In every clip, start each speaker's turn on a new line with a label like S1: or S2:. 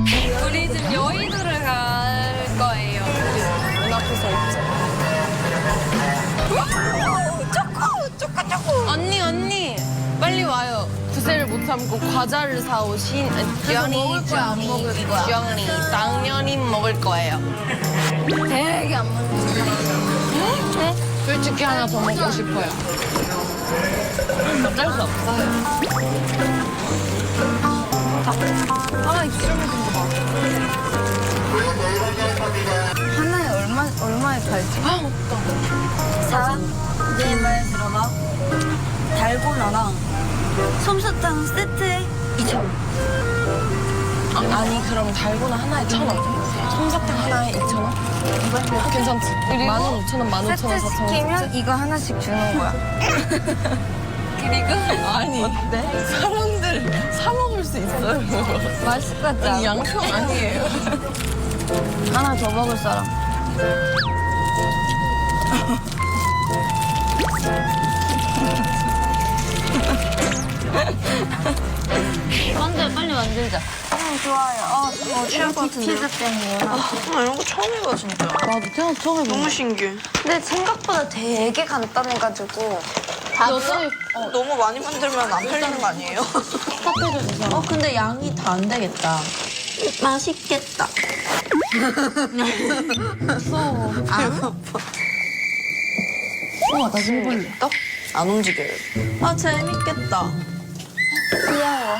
S1: 우리 지금 여의도를 갈 거예요. 문 앞에서 있죠. 초코. 언니. 빨리 와요. 구세를 못 참고 과자를 사오신
S2: 먹을 거야, 안 먹을 거야?
S1: 주영이 당연히 먹을 거예요.
S2: 되게 안 먹는
S1: 솔직히 하나 더 먹고 싶어요. 어쩔 수 없어요.
S2: 하나 입술을 좀 봐. 하나에 얼마에 팔지?
S1: 아, 없다.
S2: 자, 내 말 들어봐. 달고나랑 솜사탕 세트에 2,000원.
S1: 아니 그럼 달고나 하나에 1,000원. 솜사탕 하나에 2,000원? 괜찮지? 15,000원, 15,000원,
S2: 세트
S1: 4,000원.
S2: 시키면 이거 하나씩 주는 거야.
S1: 그리고 아니 어때? 사람들 사 먹을 수 있어요.
S2: 맛있을 것 같지
S1: 이
S2: 않아?
S1: 양평 아니에요.
S2: 하나 더 먹을 사람. 빨리 만들자. 좋아요. 취할 것 같은데. 피자 때문에.
S3: 나 이런 거 처음 해봐 진짜.
S1: 나도 태어나서 처음 해본
S3: 너무 신기해.
S2: 근데 생각보다 되게 간단해가지고.
S1: 여자애
S3: 너무 많이 만들면 안 팔리는 거 아니에요?
S2: 근데 양이 다 안 되겠다. 맛있겠다.
S1: 무서워.
S2: 우와, 나 신기해.
S3: 안 움직여요.
S2: 아, 재밌겠다. 귀여워.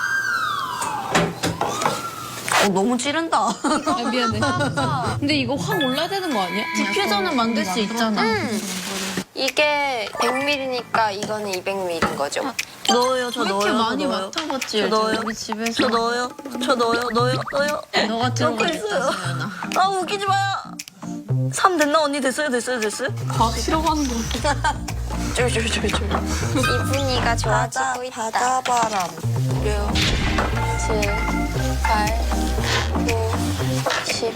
S2: 너무 찌른다.
S1: 아, 미안해. 근데 이거 확 올라야 되는 거 아니야?
S2: 디퓨저는 만들 수 있잖아.
S4: 이게 100ml니까 이거는 200ml인 거죠.
S2: 넣어요, 저 넣어요.
S1: 많이
S2: 저 넣어요.
S1: 맡아봤지?
S2: 저 넣어요.
S1: 우리 집에서.
S2: 저 넣어요. 저 넣어요. 넣어요.
S1: 너가
S2: 넣고
S1: 들어가겠다,
S2: 있어요.
S1: 서연아.
S2: 아, 웃기지 마요. 3 됐나? 언니 됐어요?
S1: 과학 싫어하는 거 같아.
S3: 쫄쫄쫄쫄.
S4: 이분이가 좋아지고 있다.
S3: 바다바람.
S4: 6, 7, 8, 9, 10.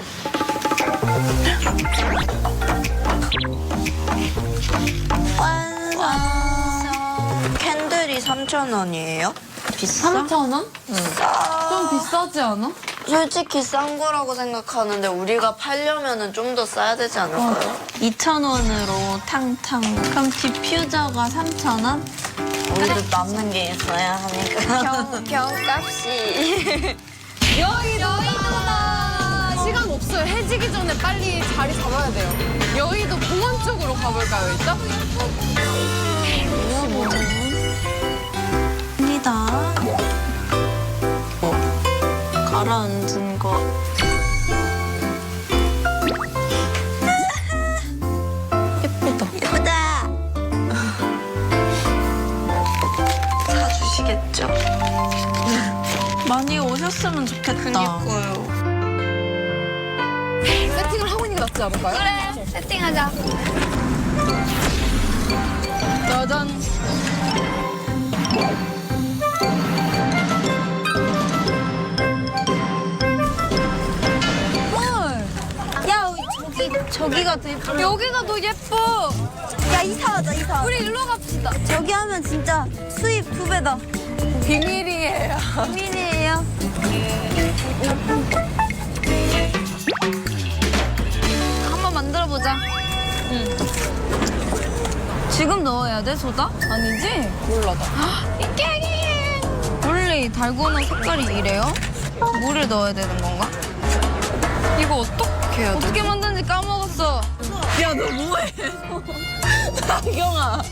S3: 완성. 캔들이 3,000원이에요?
S2: 비싸?
S1: 3,000원? 좀 비싸지 않아?
S3: 솔직히 싼 거라고 생각하는데 우리가 팔려면 좀 더 싸야 되지 않을까요?
S2: 2,000원으로 탕탕. 그럼 디퓨저가 3,000원?
S3: 우리도 남는 게 있어야 하니까.
S4: 병값이.
S1: 여의도다! 시간 없어요. 해지기 전에 빨리 자리 잡아야 돼요. 여의도 공원 쪽으로 가볼까요, 일단?
S2: 입니다. 가라앉은 거. 예쁘다.
S3: 사주시겠죠?
S2: 많이 오셨으면 좋겠다.
S3: 그니까요.
S1: 세팅을 하고 있는 게 낫지 않을까요?
S4: 그래, 세팅하자.
S1: 짜잔.
S2: 야, 저기가 더 예쁘다.
S1: 여기가 더 예뻐.
S2: 야, 이사.
S1: 우리 일로 갑시다.
S2: 저기 하면 진짜 수입 2배다.
S1: 비밀이에요.
S2: 비밀이에요. 한번 만들어보자. 지금 넣어야 돼, 소다?
S1: 아니지? 몰라, 나.
S2: 원래 달고나 색깔이 이래요? 물을 넣어야 되는 건가?
S1: 이거 어떻게 해야 돼?
S2: 어떻게 만드는지 까먹었어.
S1: 야, 너 뭐해? 나경아.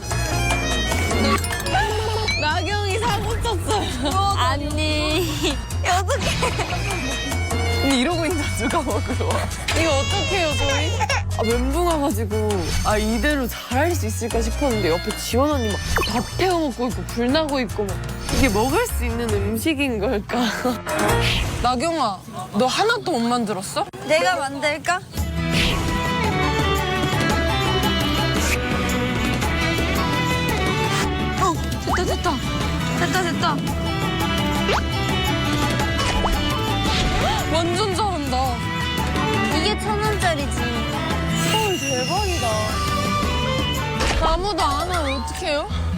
S1: 나경이 사고 쳤어요.
S2: 아니. 어떡해.
S1: 근데 이러고 있는 누가 먹으러 와? 이거 어떡해요, 저희? 아, 멘붕 와가지고 이대로 잘할 수 있을까 싶었는데 옆에 지원 언니 막 밥 태워 먹고 있고 불 나고 있고 막 이게 먹을 수 있는 음식인 걸까? 나경아, 너 하나도 못 만들었어?
S2: 내가 만들까? 됐다.
S1: 완전 잘한다.
S2: 이게 1,000원짜리지.
S1: 헐, 대박이다. 아무도 안 하면 어떡해요?